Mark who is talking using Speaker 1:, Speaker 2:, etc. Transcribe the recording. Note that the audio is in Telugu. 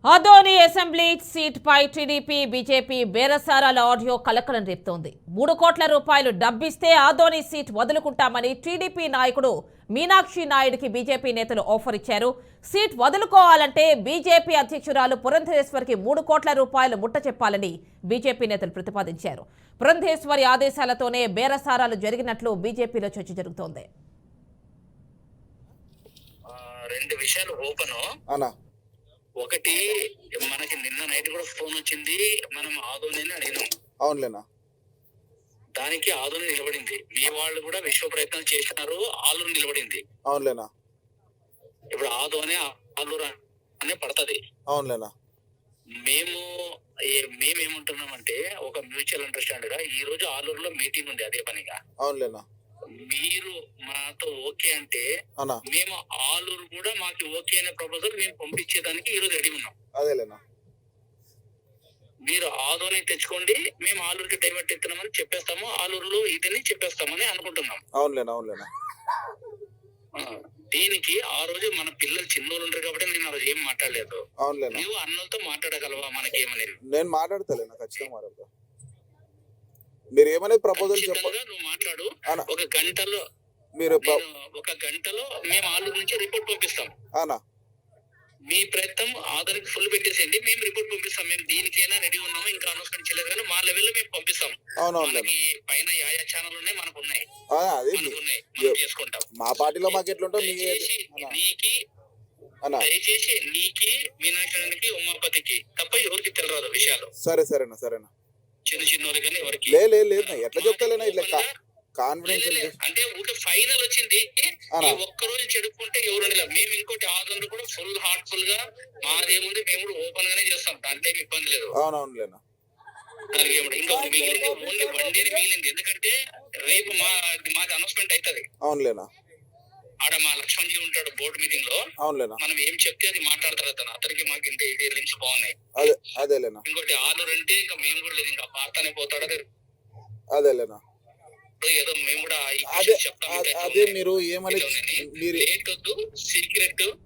Speaker 1: ఆదోని అసెంబ్లీ సీట్పై టీడీపీ బీజేపీ బేరసారాల ఆడియో కలకలం రేపుతోంది. 3 కోట్ల రూపాయలు డబ్బిస్తే ఆదోని సీట్ వదులుకుంటామని టీడీపీ నాయకుడు మీనాక్షి నాయుడికి బీజేపీ నేతలు ఆఫర్ ఇచ్చారు. సీట్ వదులుకోవాలంటే బీజేపీ అధ్యక్షురాలు పురంధేశ్వరికి 3 కోట్ల రూపాయలు ముట్ట చెప్పాలని బీజేపీ నేతలు ప్రతిపాదించారు. పురంధేశ్వరి ఆదేశాలతోనే బేరసారాలు జరిగినట్లు బీజేపీలో చర్చ జరుగుతోంది.
Speaker 2: రెండు విషయాలు ఓపెన్ అన్నా. ఒకటి, మనకి నిన్న నైట్ కూడా ఫోన్ వచ్చింది, మనం ఆదోని అడిగినాం.
Speaker 3: అవునులేనా,
Speaker 2: దానికి ఆదోని నిలబడింది. మీ వాళ్ళు కూడా విశ్వ ప్రయత్నాలు చేసినారు, ఆలూరు నిలబడింది.
Speaker 3: అవునులేనా,
Speaker 2: ఇప్పుడు ఆదోని ఆలూరు అనే పడుతుంది.
Speaker 3: అవునులేనా.
Speaker 2: మేమేమంటున్నామంటే ఒక మ్యూచువల్ అండర్స్టాండ్ గా ఈ రోజు ఆలూరులో మీటింగ్ ఉంది, అదే పనిగా.
Speaker 3: అవునులేనా,
Speaker 2: మీరు మాతో ఓకే అంటే మేము ఆలూరు కూడా మాకు ఓకే అనే ప్రపోజల్ మేము పంపించేదానికి ఈ రోజు రెడీ ఉన్నాం.
Speaker 3: అదేలేనా,
Speaker 2: మీరు ఆదోని తెచ్చుకోండి, మేము ఆలూరుకి డైవర్ట్ ఎత్తున్నామని చెప్పేస్తాము, ఆలూరులో ఇదని చెప్పేస్తామని అనుకుంటున్నాం.
Speaker 3: అవునులేనా, అవునులేనా.
Speaker 2: దీనికి ఆ రోజు మన పిల్లలు చిన్నోళ్ళు ఉంటారు కాబట్టి నేను ఆ రోజు ఏం మాట్లాడలేదు.
Speaker 3: అవునులేనా,
Speaker 2: నువ్వు అన్నలతో మాట్లాడగలవా? మనకేమనేది
Speaker 3: నేను మాట్లాడతలేనా, ఖచ్చితంగా మాట్లాడతా. మీరు ఏమనేది ప్రపోజల్ చెప్పండి,
Speaker 2: నువ్వు మాట్లాడు. ఒక గంటలో మేము ఆలూరు నుంచి రిపోర్ట్ పంపిస్తాం. మీ ప్రయత్నం ఆధార్కి ఫుల్ పెట్టేసేయండి, మేము రిపోర్ట్ పంపిస్తాం. మేము దీనికైనా రెడీ ఉన్నాము, ఇంకా అనౌన్స్మెంట్ చేయలేదు కానీ మా లెవెల్లో మేము పంపిస్తాం. మనకి పైన యాయా ఛానల్ ఉన్నాయి, మనకు ఉన్నాయి, చేసుకుంటాం.
Speaker 3: మా పార్టీలో మాకు ఎట్లుంటాం.
Speaker 2: దయచేసి నీకి, మీనాక్షి, ఉమాపతికి తప్ప ఎవరికి తెలియదు విషయాలు.
Speaker 3: సరేనా
Speaker 2: చిన్న చిన్న కానీ ఎవరికి
Speaker 3: లేదు. ఎట్లా చెప్తాలేనా, ఇట్లా కాన్ఫిడెన్స్
Speaker 2: అంటే ఊరికే ఫైనల్ వచ్చింది. ఈ ఒక్క రోజు చెడుకుంటే ఎవరు మేము ఇంకోటి ఆదరణ కూడా ఫుల్ హార్ట్ఫుల్ గా మాదేముంది, మేము కూడా ఓపెన్ గానే చేస్తాం, దాంట్లో ఏమి ఇబ్బంది లేదు.
Speaker 3: అవునవునులేనా.
Speaker 2: ఇంకా మిగిలింది ఓన్లీ 1 డే మిగిలింది, ఎందుకంటే రేపు మాది అనౌన్స్మెంట్ అవుతుంది.
Speaker 3: అవునులేనా.
Speaker 2: ఆడ మా లక్ష్మణ్ జీ ఉంటాడు బోర్డు మీటింగ్ లో.
Speaker 3: అవునులేనా.
Speaker 2: మనం ఏం చెప్తే అది మాట్లాడతారు అతను. అతనికి మాకు ఇంత ఇది లింక్స్ బాగున్నాయి.
Speaker 3: అదేలేనా.
Speaker 2: ఇంకోటి ఆలూరు అంటే ఇంకా మేము కూడా లేదు, ఇంకా పార్తానే పోతాడు.
Speaker 3: అదేలేనా.
Speaker 2: ఏదో మేము కూడా
Speaker 3: అదే మీరు ఏమని
Speaker 2: లేట్ వద్దు, సీక్రెట్